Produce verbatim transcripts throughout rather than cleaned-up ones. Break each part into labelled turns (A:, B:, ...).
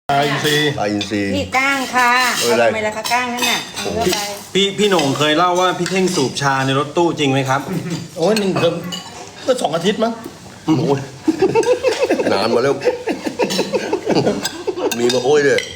A: ปลาอินทรีย์
B: ปลาอินทรีย์
C: นี่ก้างค่ะ
B: เอออะไร
C: ทำไมล่ะคะก้างนั่นน่ะเอาเข้าไป
D: พี่พี่โหน่งเคยเล่าว่าพี่เท่งสูบชาในรถตู้จริงไหมครับ
A: โอ้ยหนึ่งเดือนก็สองอาทิตย์มั้ง
B: โอ้ยนานมาแล้ว มีมาโอ้ยด้วย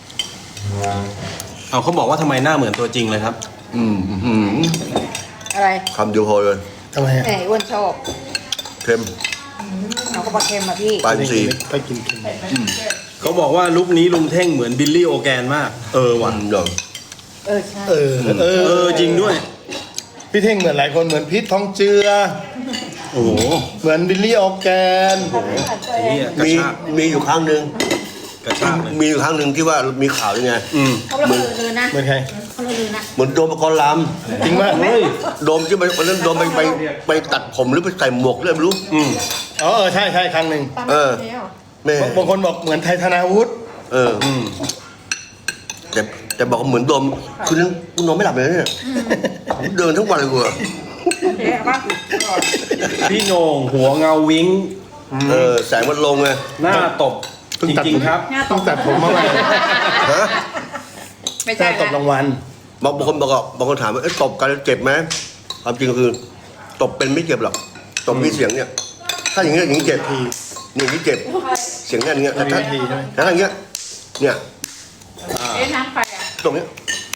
D: เอาเขาบอกว่าทำไมหน้าเหมือนตัวจริงเลยครับ
B: อืมอืม
C: อะไร
B: คำเดียวพอเลย
A: ทำไมอะ
C: ไหนอ้วนชอบ
B: เค็ม
C: เอากระบอกเค็มมาพี่
B: ปลาอินทรีย์
A: ไปกินเค็ม
D: เขาบอกว่าลุคนี้ลุงเท่งเหมือนบิลลี่โอแกนมาก เออ
B: ห
D: ว่ะ
B: วานเนาะ
C: เออใช่
A: เออเออ
D: เออจริงด้วย
A: พี่เท่งเหมือนหลายคนเหมือนพีททองเจือ
D: โอ้โห
A: เหมือนบิลลี่ออร์แกน
D: ไอ้เหี้ยกระ
B: มี
D: ชาก
B: มีอยู่ครั้งหนึ่ง
D: กระชากเลย
B: มีอยู่ครั้งหนึ่งที่ว่ามีข่าวยังไง
D: อืม
C: เขาละเลือนะ
A: เหมือนใคร
C: เขาละเลือนะ
B: เหมือนโดมประกรณ์ล
A: จริงป่ะ
D: เฮ้ย
B: ำโดมที่ไปวันนั้นโดมไปไปไปตัดผมหรือไปใส่หมวกเรื่องไม่รู้
D: อืม
A: อ๋อเออใช่ใช่ครั้งหนึ่ง
C: ตาม
B: เออ
C: แล้ว
B: แม่
A: บางคนบอกเหมือนไทยธนาวุฒิ
B: เออ
D: อืม
B: แต่แต่บอกว่าเหมือนโดมคืนนั้นกูนอนไม่หลับเลยเนี่ยเดินทั้งวันเลยกูอะ
C: เอ๊ะป่ะ
D: พี่โหน่งหัวเงาวิ้ง
B: เออแสงมันลงไง
D: หน้าตบจริงๆครับ
C: หน้าต
A: ต้องตัดผมมาใหม่
B: ฮะ
C: ไม่
A: ห
C: ใช่
A: น้าตบรางวัล
B: บางคนบอกว่าบางคนถามว่าเอ๊ะตบกันแล้วเจ็บไหมความจริงก็คือตบเป็นไม่เจ็บหรอกตบมีเสียงเนี่ย ถ้าอย่างเงี้ยอย่างนี้เจ็บทีอย่างนี้เจ็บเสียงเนี่ยอย่างเงี้ยแต่ถ้า
A: ทีใช่ไหม
B: แต่ถ้าอย่างเงี้ยเนี่ย
C: เอ๊ะน้ำไฟอ่ะ
B: ตรงเนี้ย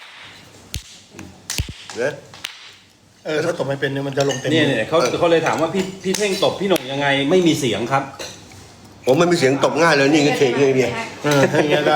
B: เนี่ย
A: เออถ้าตบไม่เป็นเนี่ยมันจะลงเต็ม
D: เนี่ยเนี่ยเขาเขาเลยถามว่าพี่พี่เท่งตบพี่โหน่งยังไงไม่มีเสียงครับ
B: ผมไม่มีเสียงตบง่ายเลยนี่ก็เข่งเลยเนี่ย
A: เออถ้าอย่างเงี้ยได้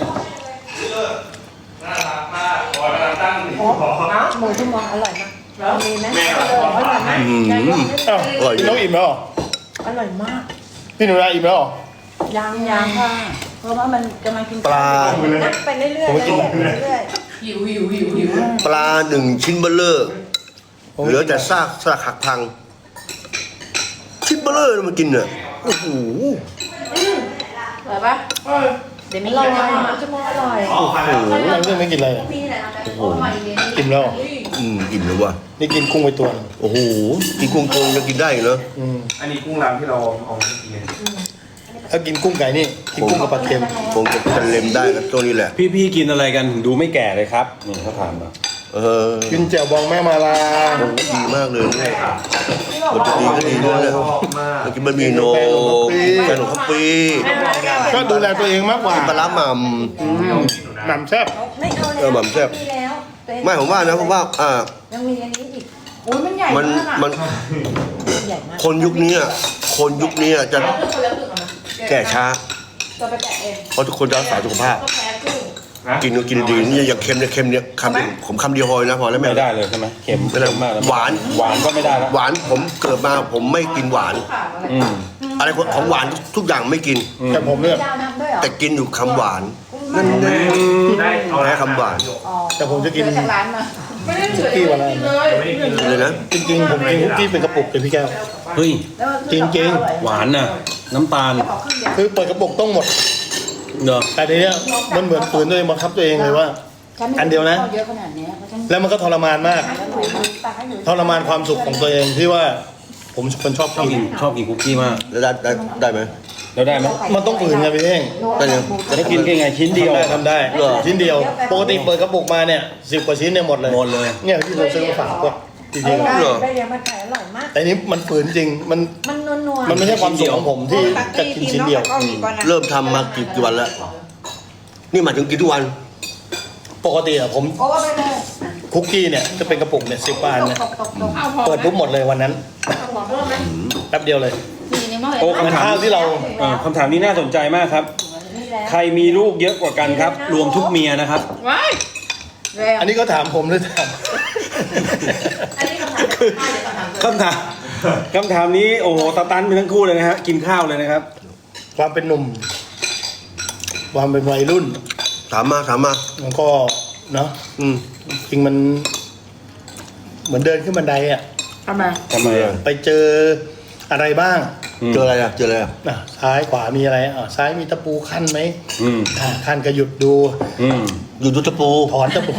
C: โอ้หมูชั่วโมงอร่อยมากมีไหมอร่อยมาก
B: อืม
A: อ้าวพี่น้องอิ่มแล้วเหรอ
C: อร่อยมาก
A: พี่หนูนาอิ่มแล้วเหรอ
C: ยังยังค่ะเพราะว่ามันกำลังกิน
B: ปลา
C: นับไปเรื่อยๆเรื่อยๆเรื่อย
E: หิวหิวหิวหิว
B: ปลาหนึ่งชิ้นเบลเลอร์เหลือแต่ซากซากหักพัง ชิ้นเบลเลอร์มันกินเนี่ยโอ้โห
C: ๆอร่อยปะเดี๋ยวมีอร่อยชั่วโมงอร่อย
A: โอ้โหยังเรื่องไม่กินอะไรอะ
C: โอ้โห
A: อิ่มแล้วเหรอ
B: อืมอิ่มเลยว่ะ
A: นี่กินกุ้งไปตัวหนึ่ง
B: โอ้โหกินกุ้งโกงยังกินได้อยู่เนอะ
A: อืม
F: อันนี้กุ้งร้านที่เราเอามากิน
A: ถ้ากินกุ้งไก่นี่กินกุ้งกับปลาเค็ม
B: คงจะจะเล็มได้นะตัวนี้แหละ
D: พี่พี่กินอะไรกันถึงดูไม่แก่เลยครับนี่เขาถามมา
B: เออ
A: กินแจ่วบองแม่มาลา
B: โอ้โหดีมากเลยเนี่ยมันจะดีก็ดีด้วยเนี่ย
F: ชอบมาก
B: มันกินบะหมี่โหนงแกงหนมข้าวปี
A: ก็ดูแลตัวเองมากกว่า
B: ปลาร้าหม่
A: หนำแซ่บ
C: ไม่เอา
B: เออหม่ำแซ่บ
C: มีแล้วตัวเอง
B: ำไม่ผมว่านะผมว่าอ่า
C: ยังมีอันนี้อีกโอ้ยมันใหญ่
B: มัน
C: มากอะ
B: มัน
C: ใหญ่มาก
B: คนยุคนี้อะคนยุคนี้อะจะแก่ช้า
C: ตัวไปแกะเอง
B: เพราะทุกคนจะรักษาสุขภาพ
C: ก็แพ้กุ้ง
B: กินก็กินดีนี่อย่างเค็มเนี่ยเค็มเนี่ยคำเดียวผมคำเดียวพอนะพอแล้ว
D: ไม่
B: แม่
D: ได้เลยใช่ไหมเค็ม
B: ไม่ได้
D: เค็มมากแล้ว
B: หวาน
D: หวานก็ไม่ได้แล้ว
B: หวานผมเกิดมาผมไม่กินหวาน
D: อืม
B: อะไรของหวานทุกอย่างไม่กิน
A: แต่ผมเนี่ย
C: ดาวน้ำด้วยเหรอ
B: แต่กินอยู่คำหวาน
C: นั่น
B: แน่
F: ได้เอา
B: แพ้คำหวาน
C: อ๋อ
A: แต่ผมจะกิน
C: ซื้อจากร้านมา
E: ไม่ได้เหลือ
A: กี้วันละ
E: เลย
F: ไม่ได้กินเลย
B: เลยนะ
A: จริงๆผมกินคุกกี้เป็นกระปุกเลยพี่แก้ว
D: เฮ้ย
C: แล้วมัน
A: จริง
D: หวานน่ะ น้ำตาล
C: ขอครึ่งเดียว
A: คือเปิดกระปุกต้องหมด
D: เนอะ
A: แต่ทีเนี้ยมันเหมือนฝืนตัวเองบังคับตัวเองเลยว่า
C: ฉัไม่
A: อันเดียวนะ
C: เยอะขนาดเนี้ยเพราะฉัน
A: แล้วมันก็ทรมานมาก
C: แล้วหนูตักให้หนู
A: ทรมานความสุขของตัวเองที่ว่า ผมเป็นชอบ
D: ชอบ
A: กิ
D: กิ
A: น
D: นชอบกินคุกกี้มาก
B: แล้วได้ได้ได้ไหม
D: แล้วได้ไหม
A: มันต้องฝืนไงพี่เท่ง
B: ได้ยัง
D: แล้วกินแค่ไงชิ้นเดียว
A: ทำได้ทำได้ชิ้นเดียว ปกติเปิดกระปุกมาเนี่ยสิบกว่าชิ้นเนี่ยหมดเลย
D: หมดเลย
A: เนี่ยที่ผมซื้อมาฝากพวกจริง
C: ได้
B: เหรอ
C: ได้เรียนมาขายอร่อยมาก
A: ๆแต่นี้มันฝืนจริงมัน
C: มันนัวๆ
A: มันไม่ใช่ความสุขของผมที่จะกินชิ้นเดียว
C: ก็มีก่อนนะ
B: เริ่มทำมากี่กี่วันแล้ว นี่หมายถึงกินทุกวัน
A: ปกติอะผม
C: โอ้ไปเลย
A: คุกกี้เนี่ยจะเป็นกระปุกเนี่ยสิบาทเนี่ย
C: ตกตกตก
E: เอาพอ
A: เปิดปุ๊บหมดเลยวันนั้น
E: เอาพอเพิ่มไหม
A: แป๊บเดียวเลย
C: มีในหม้อ
D: โอ้
A: เหมือน
D: คำถาม
A: ข้าวที่เรา
D: เออคำถามนี้น่าสนใจมากครับ ใครมีลูกเยอะกว่ากันครับ รวมทุกเมียนะครับ
E: ว้าย
C: แล้ว
A: อันนี้ก็ถามผมหรือถาม
E: อันนี้คำถามจากป้าเดี๋ยวคำถาม
D: คำถามคำถามนี้โอ้โหสตันไปทั้งคู่เลยนะฮะกินข้าวเลยนะครับ
A: ความเป็นหนุ่ม ความเป็นวัยรุ่น
B: ถามมาถามมา
A: มันก็เนาะ
B: อืม
A: จริงมัน เหมือนเดินขึ้นบันไดอะ
C: ทำไม
D: ทำไมอ่ะ
A: ไปเจออะไรบ้าง
B: เจออะไรอ่ะเจออะไรอ่ะ
A: อ่ะซ้ายขวามีอะไรอ่ะซ้ายมีตะปูขั้นไหม
D: อืม
A: อ่ะขั้นก็หยุดดู
D: อืม
B: อยู่ดูตะปู
A: ถอนตะปู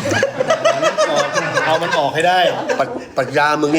A: เอามันออกให้ได้
B: ปัดปัญญามึงนี่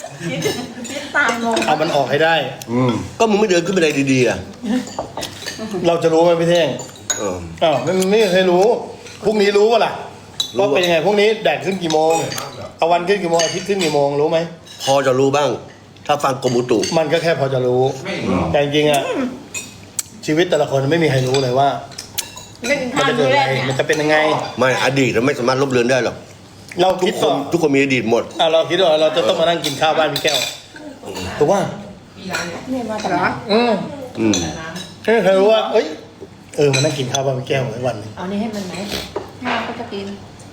C: ตายงง
A: เอามันออกให้ได้
D: อืม
B: ก็มึงไม่เดินขึ้นบันไดดีๆอ่ะ
A: เราจะรู้ไหมพี่เท่ง
B: เออ
A: อ้าวไม่ไม่เคยรู้พรุ่งนี้รู้ป่ะล่ะว่าเป็นยังไงพรุ่งนี้แดดขึ้นกี่โมงตะวันขึ้นกี่โมงอาทิตย์ขึ้นกี่โมงรู้ไหม
B: พอจะรู้บ้าง ถ้าฟังกรมอุตุ
A: มันก็แค่พอจะรู้ แต่จริงๆอ่ะชีวิตแต่ละคนไม่มีใครรู้เลยว่า
E: ไม่กิน
A: มัน
E: ข้าว
A: จะเกิ
E: มื้
A: ด
E: อแร
A: อะไร
E: กเนี่ย
A: มันจะเป็นยังไง
B: ไม่อดีตเราไม่สามารถลบเลือนได้หรอก
A: เรา
B: ทุ
A: คิ
B: ก
A: ด
B: ค
A: ต่
B: น
A: อ
B: ทุกคนมีอดีตหมด
A: อ่ะเราคิดว่าเราจะต้องมานั่งกินข้าวบ้านพี่แก้วถูกป่ะ
E: เนี่ยมาจากไหน
A: อืม
B: อืม
A: ไม่มีใครรู้ว่าเอ้ยเออมานั่งกินข้าวบ้านพี่แก้วในวันหนึง
E: เอานี่ให้มันไหมให้มันก็จะกิน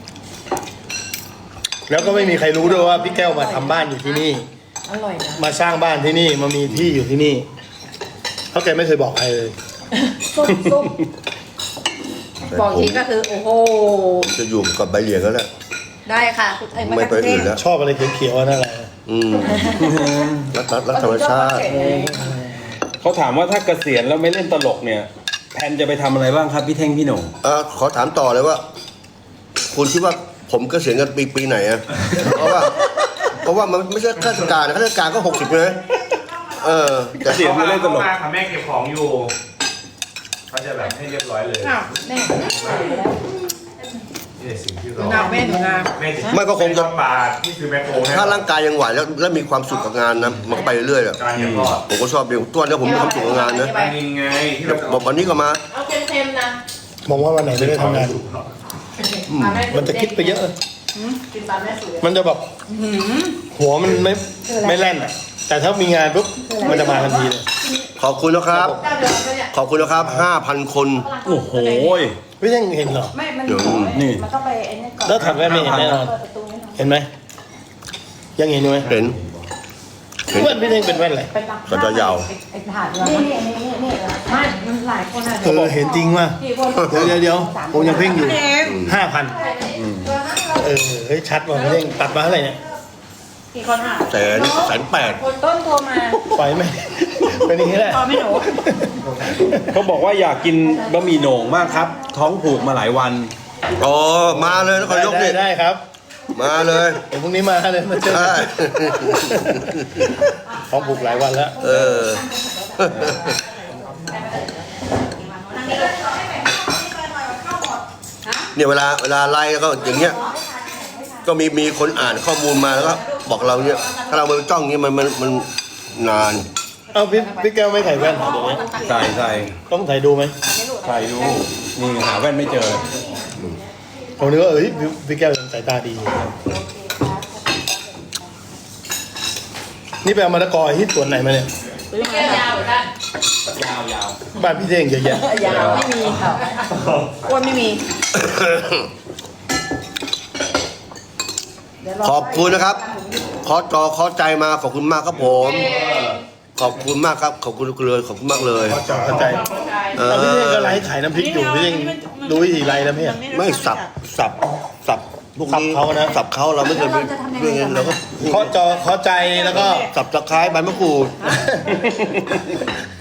A: แล้วก็ไม่มีใครรู้ด้วยว่าพี่แก้วมาทำบ้านอยู่ที่นี่
E: อร่อยนะ
A: มาสร้างบ้านที่นี่มามีที่อยู่ที่นี่เพราะแกไม่เคยบอกใครเลย
E: ซุปซุปบอกทีก็คือโอ้โห
B: จะอยู่กับใบเหลียงแล้วแหละ
E: ได้ค่ะคุณไอ้มา
B: ไม่
E: จาก
B: ไป
E: กรุงเท
B: อื่
E: พ
B: นแล้ว
A: ชอบอะไรเขียวๆนั่นแหละ
B: อืมรักรักรักธรรมชาติ
D: เขาถามว่าถ้าเกษียณแล้วไม่เล่นตลกเนี่ยแพนจะไปทำอะไรบ้างครับพี่เท่งพี่โหน่ง
B: อ่ะขอถามต่อเลยว่า คุณคิดว่าผมเกษียณกันปีปีไหนอ่ะ เพราะว่า เพราะว่ามันไม่ใช่ข้าราชการนะข้าราชการก็หกสิบเลยเออ
D: เกษียณไม่เล่นตลก
F: มาค่ะแม่เก็บของอยู่เขาจะแบบให้เรียบร้อยเลย
E: อ้าวแม่
F: นี่แหละสิ่งที่เรา
E: หนูนาแม่หนูนา
F: แม่จะ
B: ไม่ก็คงจะ
F: บาทที่ซื้อแมคโครให้
B: ถ้าร่างกายยังไหวแล้วแล้วมีความสุขกับงานนะมันก็ไปเรื่อยๆอะ
F: การเก็บทอด
B: ผมก็ชอบเดียวตัวนี้ผมมีความสุขกับงานนะ
F: ปลานินไงที่เราจะ
B: บอกวันนี้ก็มา
E: เอาเค็มๆนะ
A: มองว่าวันไหนไม่ได้ทำงาน มันจะคิดไปเยอะ
E: กินปลาแม่สวย
A: มันจะแบบหัวมันไม่ไม่แล่นอ่ะ แต่ถ้ามีงานปุ๊บมันจะมาทันทีเลย
B: ขอบคุณนะครับ
E: เจ้าเดิมก็เนี่ย
B: ขอบคุณนะครับห้าพันคน
D: โอ้โห
A: ไม่ยังเห็นเหรอ
E: ไม่มัน
B: เดี๋ยว
D: นี่
E: มันต้องไปไอ้นี่ก่อน
A: แล้วถัดแว่นไม่เห็นแน่นอน
E: เปิดประตูนี่
A: เห็นไหมยังเห็นอยู่ไหม
B: เห็น เห็น
A: แว่นพี่เท่งเป็นแว่นอะไร
E: ไปตัก
B: ก็จะยาว
E: ไอ้ถาดเรานี่นี่นี่นี่ไม่มันหลายคนอ่ะ
A: เออเห็นจริงว่ะ
E: กี่คน
A: เดี๋ยวเดี๋ยวเดี๋ยวผมยังเพ่งอยู่ห้าพันเออเฮ้ยชัดว่ะพี่เท่งตัดมาเท่าไหร่เนี่ย
E: กี่คนอ่ะ
B: แสนแสนแปด
E: คนต้นโทรมา
A: ไปไหมเป็นอย่างนี้แหละ
E: พอไม่หนู
D: เขาบอกว่าอยากกินบะหมี่โหน่งมากครับ ท้องผูกมาหลายวัน
B: อ๋อมาเลยนครนายก
A: ได้
B: นี่
A: ได้ครับ
B: มาเลย
A: เดี๋ยวพรุ่งนี้มาเลยมาเจอ
B: ใช่
A: ท้องผูกหลายวันแล้ว
B: เออ เนี่ยเวลาเวลาไล่แล้วก็อย่างเงี้ย ก็มีมีคนอ่านข้อมูลมาแล้วก็บอกเราเนี่ยถ้าเราไปจ้องอย่างเงี้ยมันมันมันนาน
A: เอาพี่พี่แก้วไม่ใส่แว่นเหรอเดี๋ยวนี้
D: ใส่ใส่
A: ต้องใส่ดูไหม
D: ใส่ดูนี่หาแว่นไม่เจอ
A: ผมนึกว่าเอ้ยพี่พี่แก้วยังสายตาดีอยู่นี่ไปเอามะละกอที่สวนไหนมาเนี่ย
E: แก้วยาวเหมือนกัน
D: ยาวยาว
A: บ้านพี่เท่งเยอะแยะ
E: ยาวไม่มีค่ะอ้วนไม่มี
B: ขอบคุณนะครับ ขอจอขอใจมาขอบคุณมากครับผม ขอบคุณมากครับ ขอบคุณเลยขอบคุณมากเลย
A: พอจอเข้าใจ
B: เอ
A: แล้วพี่เท่งก็
B: อ
A: ไลฟ์ขายน้ำพริกอยู่พี่เท่งรู้วิธีไลฟ์แล้วพี่
B: ไม่สับสับสับพวกนี้
A: สับเขานะ
B: สับเขาเราไม่เคยไปเรื่องเงินเราก็
A: เคาะจอเคาะใจแล้วก็
B: สับตะไคร้ใบมะกรูด